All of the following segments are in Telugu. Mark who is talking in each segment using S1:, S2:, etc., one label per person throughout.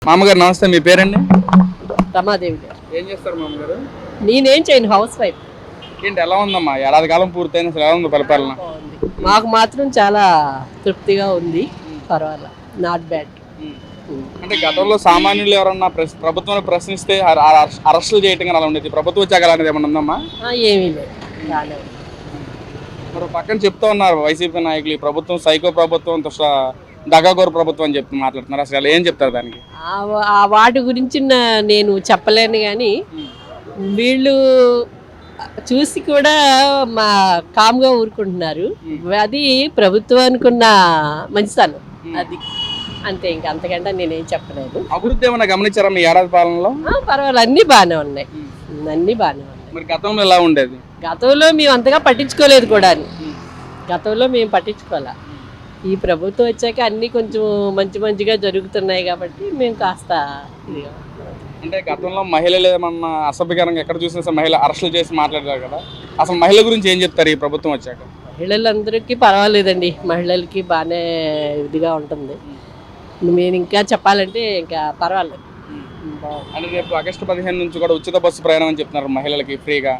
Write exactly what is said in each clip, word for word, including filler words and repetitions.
S1: మామగారు నమస్తే, మీ పేరండి?
S2: రమాదేవి గారు.
S1: ఏం చేస్తారు మామగారు?
S2: నేనేం చేయను, హౌస్ వైఫ్.
S1: ఏంటి ఎలా ఉందమ్మా, ఏడాది కాలం పూర్తయిన అసలు ఎలా ఉంది పరిపాలన?
S2: మాకు మాత్రం చాలా తృప్తిగా ఉంది, పర్వాలేదు, నాట్ బ్యాడ్.
S1: అంటే గతంలో సామాన్యులు ఎవరన్నా ప్రభుత్వాన్ని ప్రశ్నిస్తే అరెస్టులు చేయటం అలా ఉండేది, ప్రభుత్వం వచ్చాక అలాంటిది ఏమన్నా ఉందమ్మా?
S2: ఏమీ లేదు, బాగానే ఉంది.
S1: మరి పక్కన చెప్తా ఉన్నారు వైసీపీ నాయకులు, ఈ ప్రభుత్వం సైకో ప్రభుత్వం, దగాగోరు ప్రభుత్వం అని చెప్తూ మాట్లాడుతున్నారు. అసలు ఏం చెప్తారు దానికి?
S2: ఆ వాటి గురించి నేను చెప్పలేను, కానీ వీళ్ళు చూసి కూడా మా కామ్గా ఊరుకుంటున్నారు. అది ప్రభుత్వానికి ఉన్న మంచితనం, అది అంతే. ఇంకా అంతకంటే నేనేం చెప్పలేదు.
S1: అభివృద్ధి ఏమన్నా గమనించారా మీ ఏడాది పాలనలో?
S2: పర్వాలేదు, అన్నీ బాగానే ఉన్నాయి, అన్నీ బాగానే ఉన్నాయి.
S1: మరి గతంలో ఎలా ఉండేది?
S2: గతంలో మేము అంతగా పట్టించుకోలేదు కూడా, గతంలో మేము పట్టించుకోలే. ఈ ప్రభుత్వం వచ్చాక అన్నీ కొంచెం మంచి మంచిగా జరుగుతున్నాయి కాబట్టి మేము కాస్త ఇదిగా.
S1: అంటే గతంలో మహిళలు ఏమన్నా అసభ్యకరంగా ఎక్కడ చూసినా సరే మహిళ అరెస్టులు చేసి మాట్లాడారు కదా, అసలు మహిళల గురించి ఏం చెప్తారు ఈ ప్రభుత్వం వచ్చాక?
S2: మహిళలందరికీ పర్వాలేదండి, మహిళలకి బాగానే ఇదిగా ఉంటుంది. నేను ఇంకా చెప్పాలంటే ఇంకా పర్వాలేదు.
S1: అంటే రేపు ఆగస్టు పదిహేను నుంచి కూడా ఉచిత బస్సు ప్రయాణం అని చెప్తున్నారు మహిళలకి ఫ్రీగా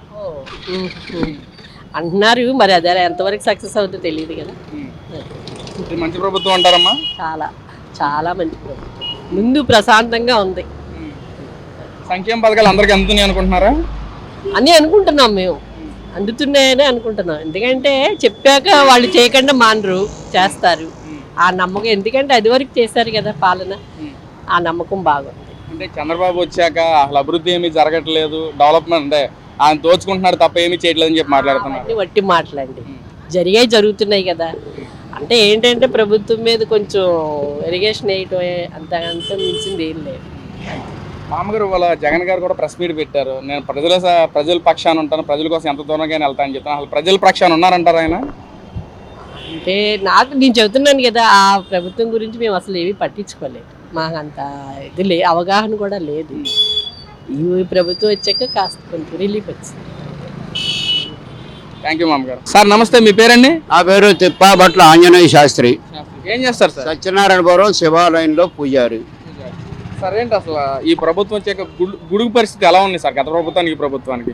S2: అంటున్నారు. మరి అదే ఎంతవరకు సక్సెస్ అవుతుందో తెలియదు కదా.
S1: మంచి ప్రభుత్వం అంటారమ్మా?
S2: చాలా చాలా మంచి ప్రభుత్వం, ముందు ప్రశాంతంగా ఉంది.
S1: సంక్షేమ పథకాలు అందరికీ అందుతున్నాయి అనుకుంటున్నారా?
S2: అని అనుకుంటున్నాం, మేము అందుతున్నాయని అనుకుంటున్నాం. ఎందుకంటే చెప్పాక వాళ్ళు చేయకుండా మానరు, చేస్తారు. ఆ నమ్మకం, ఎందుకంటే అది వరకు చేశారు కదా పాలన, ఆ నమ్మకం బాగుంది.
S1: అంటే చంద్రబాబు వచ్చాక అసలు అభివృద్ధి ఏమీ జరగట్లేదు, డెవలప్మెంట్ అంటే ఆయన దోచుకుంటున్నారు తప్ప ఏమీ చేయట్లేదు అని చెప్పి మాట్లాడుతున్నారు.
S2: వట్టి మాటలండి, జరిగాయి జరుగుతున్నాయి కదా. అంటే ఏంటంటే ప్రభుత్వం మీద కొంచెం ఇరిగేషన్ వేయటం, అంత అంత మించింది ఏం లేదు.
S1: మామగారు వాళ్ళ జగన్ గారు కూడా ప్రెస్ మీట్ పెట్టారు, నేను ప్రజల ప్రజల పక్షాన ఉంటాను, ప్రజల కోసం ఎంత దూరంగా వెళ్తానని చెప్తాను. అసలు ప్రజల పక్షాన ఉన్నారంటారు ఆయన?
S2: అంటే నాకు నేను చెబుతున్నాను కదా, ఆ ప్రభుత్వం గురించి మేము అసలు ఏమీ పట్టించుకోలేదు, మాకు అంత ఇది లే అవగాహన కూడా లేదు. ఈ ప్రభుత్వం వచ్చాక కాస్త కొంచెం రిలీఫ్ వచ్చింది.
S1: థ్యాంక్ యూ మామగారు. సార్ నమస్తే, మీ పేరండి?
S3: నా పేరు తిప్పాబట్ల ఆంజనేయ శాస్త్రి.
S1: ఏం చేస్తారు సార్?
S3: సత్యనారాయణపురం శివాలయంలో పూజారి.
S1: సార్ ఏంటి అసలు ఈ ప్రభుత్వం వచ్చాక గుడుగు పరిస్థితి ఎలా ఉంది సార్, గత ప్రభుత్వానికి ఈ ప్రభుత్వానికి?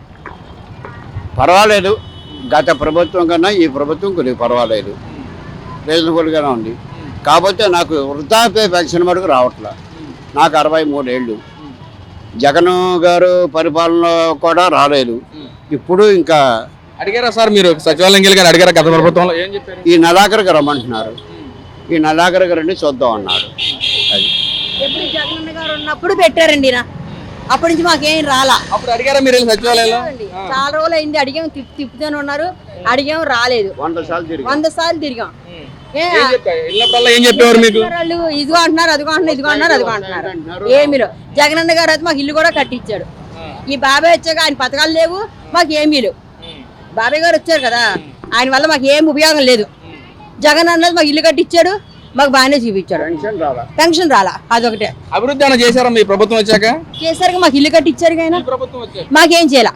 S3: పర్వాలేదు, గత ప్రభుత్వం కన్నా ఈ ప్రభుత్వం కొద్దిగా పర్వాలేదు, రీజనబుల్గానే ఉంది. కాకపోతే నాకు వృద్ధాప్య పెన్షన్ మటుకు రావట్లే. నాకు అరవై మూడేళ్ళు, జగన్ గారు పరిపాలన కూడా రాలేదు. ఇప్పుడు ఇంకా
S1: అడిగారా సార్ మీరు సచివాలయం గారు అడిగారా గత ప్రభుత్వంలో? ఏం చెప్పారు?
S3: ఈ నెలాఖరికి రమ్మంటున్నారు, ఈ నెలాఖరికి రండి చూద్దాం అన్నారు. అది
S4: ఎప్పుడు జగన్ గారు ఉన్నప్పుడు పెట్టారండి, అప్పటి నుంచి మాకేం రాలా.
S1: అప్పుడు అడిగారా మీరు సచివాలయంలో?
S4: చాలా రోజులు అయింది, అడిగాం, తిప్పు తిప్పుతూనే ఉన్నారు, అడిగాం, రాలేదు.
S3: వంద సార్లు తిరిగి
S4: వంద సార్లు తిరిగాం.
S1: ఏం చెప్పేవారు మీకు?
S4: వాళ్ళు ఇదిగో అంటున్నారు, అదిగో అంటున్నారు, ఇదిగో అంటున్నారు, అదిగో అంటున్నారు. ఏమీలో జగనన్న గారు అయితే మాకు ఇల్లు కూడా కట్టించాడు. ఈ బాబాయ్ వచ్చాక ఆయన పథకాలు లేవు, మాకు ఏమీ లేవు. బాబాయ్ గారు వచ్చారు కదా, ఆయన వల్ల మాకు ఏం ఉపయోగం లేదు. జగన్ అన్నది మాకు ఇల్లు కట్టించాడు, మాకు బాగానే చూపించాడు. పెన్షన్ రాలా, అదొకటే.
S1: అభివృద్ధి ఏమైనా చేశారా మీ ప్రభుత్వం వచ్చాక?
S4: చేశారు, మాకు ఇల్లు కట్టించారు కానీ మాకేం చేయాల,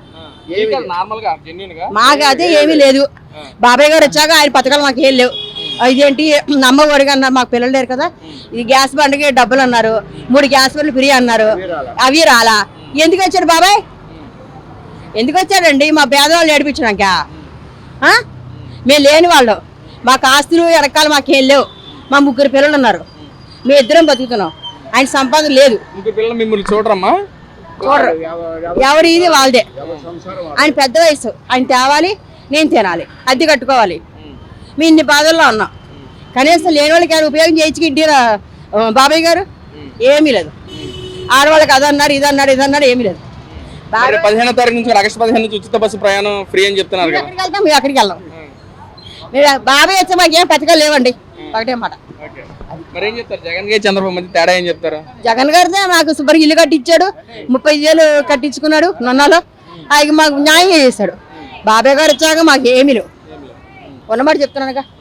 S4: మాకు అదే ఏమీ లేదు. బాబాయ్ గారు వచ్చాక ఆయన పథకాలు మాకు ఏం లేవు. ఇదేంటి నమ్మ ఒడిగా అన్నారు, మాకు పిల్లలు లేరు కదా, ఇది గ్యాస్ బండకి డబ్బులు అన్నారు, మూడు గ్యాస్ బండ్లు ఫ్రీ అన్నారు, అవి రాలా. ఎందుకు వచ్చాడు బాబాయ్, ఎందుకు వచ్చాడండి? మా పేదవాళ్ళు ఏడిపించడాక? మేము లేని వాళ్ళు, మాకు ఆస్తులు ఎరకాలు మాకేం లేవు. మా ముగ్గురు పిల్లలు ఉన్నారు, మేము ఇద్దరం బతుకుతున్నాం, ఆయన సంపాదన లేదు.
S1: మిమ్మల్ని చూడరమ్మా?
S4: చూడరు, ఎవరు ఇది వాళ్ళదే. ఆయన పెద్ద వయసు, ఆయన తేవాలి, నేను తినాలి, అద్దె కట్టుకోవాలి. మేము ఇన్ని బాధల్లో ఉన్నాం, కనీసం లేని వాళ్ళకి ఆయన ఉపయోగం చేయించి ఇంటి బాబాయ్ గారు ఏమీ లేదు. ఆడవాళ్ళకి అదన్నారు, ఇదన్నారు, ఇదన్నారు, ఏమీ లేదు.
S1: పదిహేనో తారీఖు నుంచి ఆగస్టు పదిహేను నుంచి ఉచిత బస్సు ప్రయాణం ఫ్రీ అని చెప్తున్నారు.
S4: ఎక్కడికి వెళ్తాం, మేము అక్కడికి వెళ్దాం. మీరు బాబాయ్ వచ్చే మాకు ఏం పథకాలు లేవండి, ఒకటే మాట.
S1: జగన్ గారు చంద్రబాబు మధ్య తేడా ఏం చెప్తారు?
S4: జగన్ గారిదే మాకు శుభ్రంగా ఇల్లు కట్టించాడు, ముప్పై వేలు కట్టించుకున్నాడు నొన్నాలో, ఆయన మాకు న్యాయం చేశాడు. బాబాయ్ గారు వచ్చాక మాకు ఏమీ లేవు, ఉన్నమాట చెప్తున్నానుగా.